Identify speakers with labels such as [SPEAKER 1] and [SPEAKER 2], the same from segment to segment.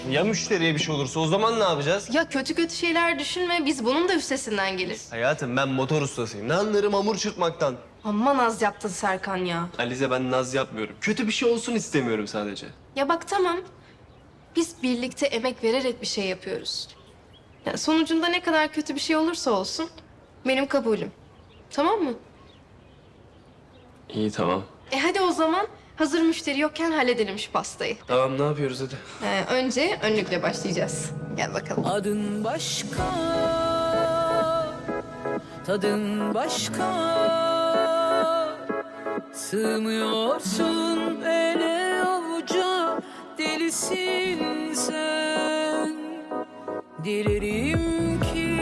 [SPEAKER 1] Ya müşteriye bir şey olursa o zaman ne yapacağız?
[SPEAKER 2] Ya kötü şeyler düşünme. Biz bunun da üstesinden geliriz.
[SPEAKER 1] Hayatım ben motor ustasıyım. Ne anlarım hamur çırpmaktan.
[SPEAKER 2] Amma naz yaptın Serkan ya.
[SPEAKER 1] Alize ben naz yapmıyorum. Kötü bir şey olsun istemiyorum sadece.
[SPEAKER 2] Ya bak tamam. Biz birlikte emek vererek bir şey yapıyoruz. Ya sonucunda ne kadar kötü bir şey olursa olsun benim kabulüm. Tamam mı?
[SPEAKER 1] İyi tamam.
[SPEAKER 2] Hadi o zaman hazır müşteri yokken halledelim şu pastayı.
[SPEAKER 1] Tamam ne yapıyoruz hadi.
[SPEAKER 2] Önce önlükle başlayacağız. Gel bakalım.
[SPEAKER 3] Adın başka, tadın başka. Sığmıyorsun ele avuca, delisin sen. Dilerim ki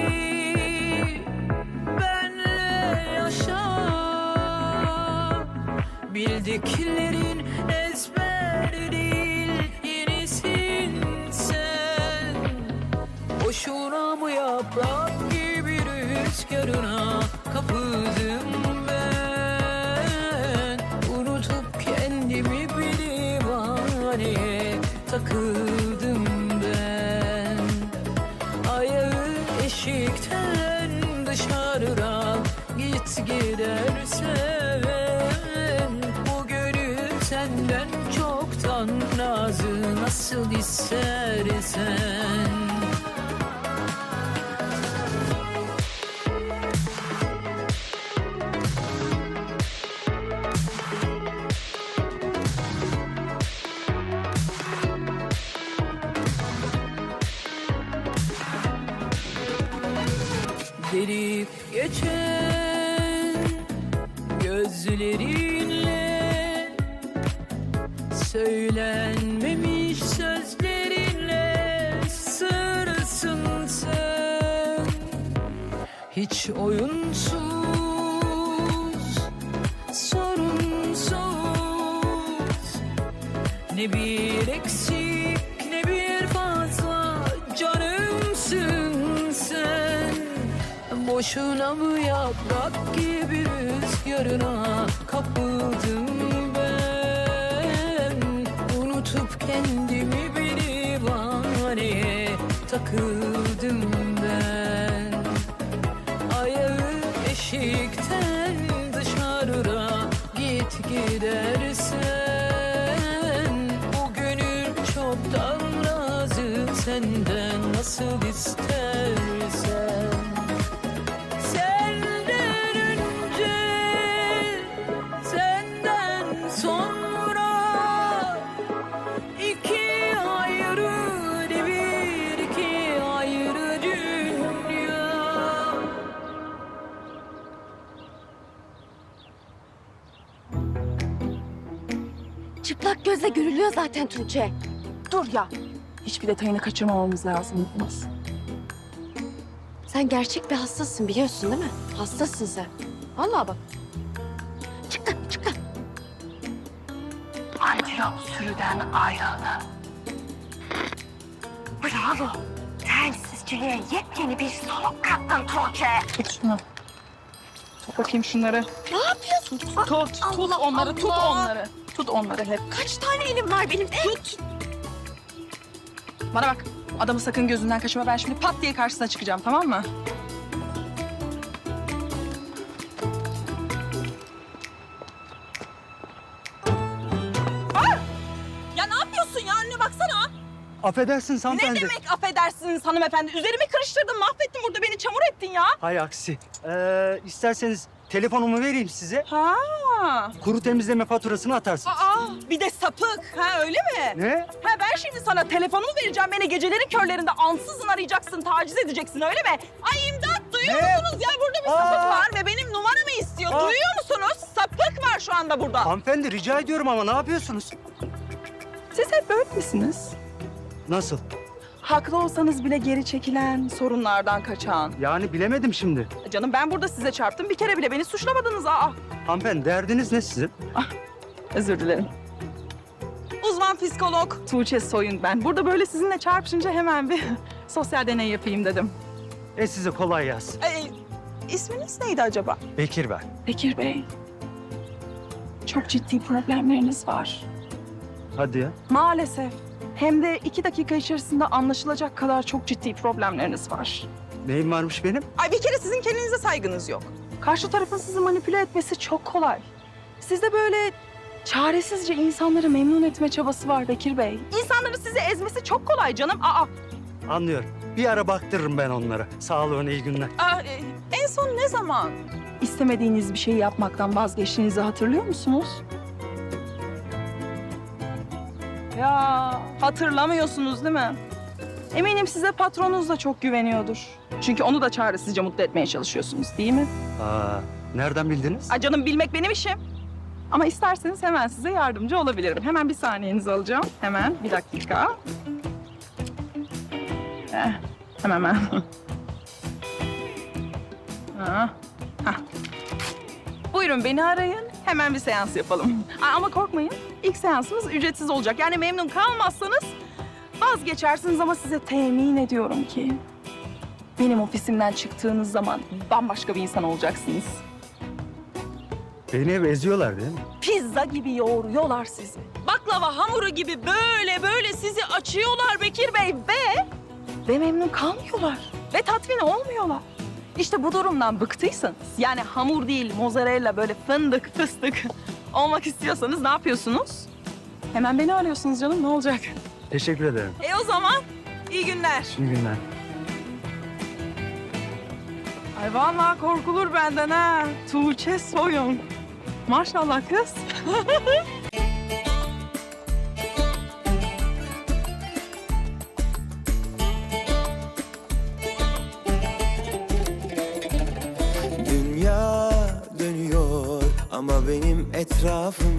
[SPEAKER 3] benle yaşa. Bildiklerin ezber değil, yenisin sen. Boşuna mı yaprak gibi rüzgarına kapıldım ben. Unutup kendimi bir divaneye takıldım ben. Ayağı eşikten dışarıda git gidersen. Bu gönül senden çoktan razı, nasıl istersen. Gelip geçen gözlerinle, söylenmemiş sözlerinle sırrısın sen. Hiç oyunsuz, sorunsuz, ne bir eksik ne bir fazla canımsın sen. Boşuna mı yaprak gibi rüzgarına kapıldım ben. Unutup kendimi bir divaneye takıldım ben. Ayağı eşikten dışarıda git gidersen. Bu gönül çoktan razı senden, nasıl istersen. Senden önce, senden sonra, iki ayrı devir, iki ayrı dünya.
[SPEAKER 4] Çıplak gözle görülüyor zaten Tuğçe. Dur ya.
[SPEAKER 5] Hiçbir detayını kaçırmamamız lazım Yılmaz.
[SPEAKER 4] Sen gerçek bir hastasın biliyorsun değil mi? Hastasın sen. Vallahi bak. Çık lan, çık lan.
[SPEAKER 5] Antilop sürüden ayrıldı.
[SPEAKER 4] Bravo. Tensizciliğe yepyeni bir soluk kattın Tuğçe.
[SPEAKER 5] Tut şunu. Tut bakayım şunları.
[SPEAKER 4] Ne yapıyorsun?
[SPEAKER 5] Tut
[SPEAKER 4] Allah
[SPEAKER 5] onları, tut
[SPEAKER 4] Allah.
[SPEAKER 5] onları. Tut onları hep.
[SPEAKER 4] Kaç tane elim var benim? Tut.
[SPEAKER 5] Bana bak, adamı sakın gözünden kaçırma. Ben şimdi pat diye karşısına çıkacağım, tamam mı? Ya ne yapıyorsun ya? Önüne baksana.
[SPEAKER 6] Affedersiniz hanımefendi.
[SPEAKER 5] Ne demek affedersiniz hanımefendi? Üzerimi karıştırdın, mahvettin burada. Beni çamur ettin ya.
[SPEAKER 6] Hay aksi. İsterseniz telefonumu vereyim size.
[SPEAKER 5] Ha.
[SPEAKER 6] Kuru temizleme faturasını atarsınız.
[SPEAKER 5] Bir de sapık. Ha öyle mi?
[SPEAKER 6] Ne?
[SPEAKER 5] Ha ben şimdi sana telefonumu vereceğim. Beni gecelerin körlerinde ansızın arayacaksın, taciz edeceksin öyle mi? Ay imdat, duyuyor
[SPEAKER 6] Ne?
[SPEAKER 5] musunuz ya? Burada bir sapık var ve benim numaramı istiyor. Duyuyor musunuz? Sapık var şu anda burada.
[SPEAKER 6] Hanımefendi rica ediyorum ama ne yapıyorsunuz?
[SPEAKER 5] Siz hep böyle misiniz?
[SPEAKER 6] Nasıl?
[SPEAKER 5] Haklı olsanız bile geri çekilen, sorunlardan kaçan.
[SPEAKER 6] Yani bilemedim şimdi.
[SPEAKER 5] Canım ben burada size çarptım. Bir kere bile beni suçlamadınız.
[SPEAKER 6] Hanımefendi derdiniz ne sizin?
[SPEAKER 5] Özür dilerim. Uzman psikolog Tuğçe Soyun ben. Burada böyle sizinle çarpışınca hemen bir sosyal deney yapayım dedim.
[SPEAKER 6] Size kolay gelsin.
[SPEAKER 5] İsminiz neydi acaba?
[SPEAKER 6] Bekir ben.
[SPEAKER 5] Bekir Bey. Çok ciddi problemleriniz var.
[SPEAKER 6] Hadi ya.
[SPEAKER 5] Maalesef Hem de 2 dakika içerisinde anlaşılacak kadar çok ciddi problemleriniz var.
[SPEAKER 6] Neyim varmış benim?
[SPEAKER 5] Ay bir kere sizin kendinize saygınız yok. Karşı tarafın sizi manipüle etmesi çok kolay. Sizde böyle çaresizce insanları memnun etme çabası var Bekir Bey. İnsanların sizi ezmesi çok kolay canım.
[SPEAKER 6] Anlıyorum. Bir ara baktırırım ben onlara. Sağ olun, iyi günler.
[SPEAKER 5] En son ne zaman istemediğiniz bir şeyi yapmaktan vazgeçtiğinizi hatırlıyor musunuz? Ya hatırlamıyorsunuz değil mi? Eminim size patronunuz da çok güveniyordur. Çünkü onu da çaresizce mutlu etmeye çalışıyorsunuz değil mi?
[SPEAKER 6] Nereden bildiniz?
[SPEAKER 5] Ay canım bilmek benim işim. Ama isterseniz hemen size yardımcı olabilirim. Hemen bir saniyenizi alacağım. Hemen bir dakika. Hemen. Hah. Buyurun beni arayın. Hemen bir seans yapalım. Ama korkmayın. İlk seansımız ücretsiz olacak. Yani memnun kalmazsanız vazgeçersiniz ama size temin ediyorum ki benim ofisimden çıktığınız zaman bambaşka bir insan olacaksınız.
[SPEAKER 6] Beni hep eziyorlar değil mi?
[SPEAKER 5] Pizza gibi yoğuruyorlar sizi. Baklava hamuru gibi böyle sizi açıyorlar Bekir Bey ve memnun kalmıyorlar. Ve tatmin olmuyorlar. İşte bu durumdan bıktıysanız, yani hamur değil mozzarella böyle fındık fıstık olmak istiyorsanız ne yapıyorsunuz? Hemen beni arıyorsunuz canım, ne olacak?
[SPEAKER 6] Teşekkür ederim.
[SPEAKER 5] O zaman iyi günler.
[SPEAKER 6] İyi günler.
[SPEAKER 5] Ay vallahi korkulur benden ha. Tuğçe Soyun. Maşallah kız.
[SPEAKER 7] Dünya dönüyor ama benim etrafım